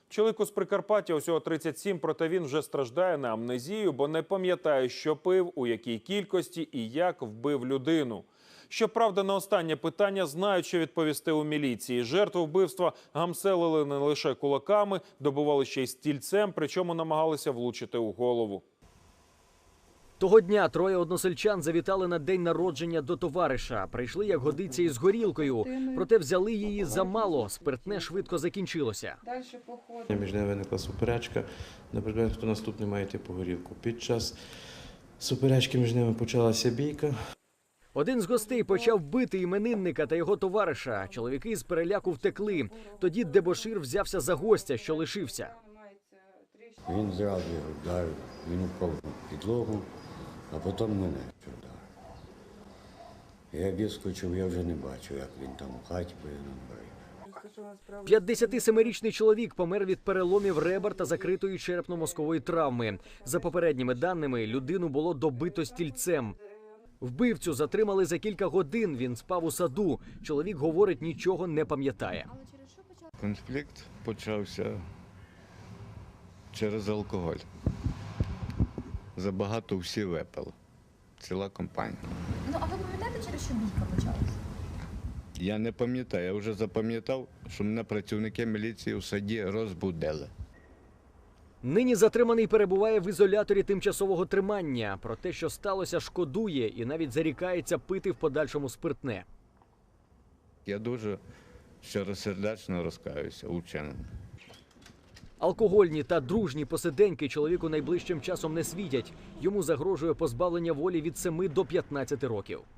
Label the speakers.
Speaker 1: Чоловіку з Прикарпаття усього 37, проте він вже страждає на амнезію, бо не пам'ятає, що пив, у якій кількості і як вбив людину. Щоправда, на останнє питання знають, що відповісти у міліції. Жертву вбивства гамселили не лише кулаками, добивали ще й стільцем, причому намагалися влучити у голову.
Speaker 2: Того дня троє односельчан завітали на день народження до товариша. Прийшли, як годиться, із горілкою. Проте взяли її замало. Спиртне швидко закінчилося.
Speaker 3: Між ними виникла суперечка, на предмет, хто наступний має йти по горілку. Під час суперечки між ними почалася бійка.
Speaker 2: Один з гостей почав бити іменинника та його товариша. Чоловіки з переляку втекли. Тоді дебошир взявся за гостя, що лишився.
Speaker 4: Він зразу його вдарив, він упав на підлогу, а потім мене вдарив. Я вискочив, я вже не бачив, як він там у хаті перебив.
Speaker 2: 57-річний чоловік помер від переломів ребер та закритої черепно-мозкової травми. За попередніми даними, людину було добито стільцем. Вбивцю затримали за кілька годин, він спав у саду. Чоловік говорить, нічого не пам'ятає.
Speaker 5: Конфлікт почався через алкоголь. Забагато всі випили. Ціла компанія.
Speaker 6: Ну, а ви пам'ятаєте, через що бійка почалася?
Speaker 5: Я не пам'ятаю, я вже запам'ятав, що мене працівники міліції у саді розбудили.
Speaker 2: Нині затриманий перебуває в ізоляторі тимчасового тримання. Про те, що сталося, шкодує і навіть зарікається пити в подальшому спиртне.
Speaker 5: Я дуже щиросердечно розкаюся у вчиненому.
Speaker 2: Алкогольні та дружні посиденьки чоловіку найближчим часом не світять. Йому загрожує позбавлення волі від 7 до 15 років.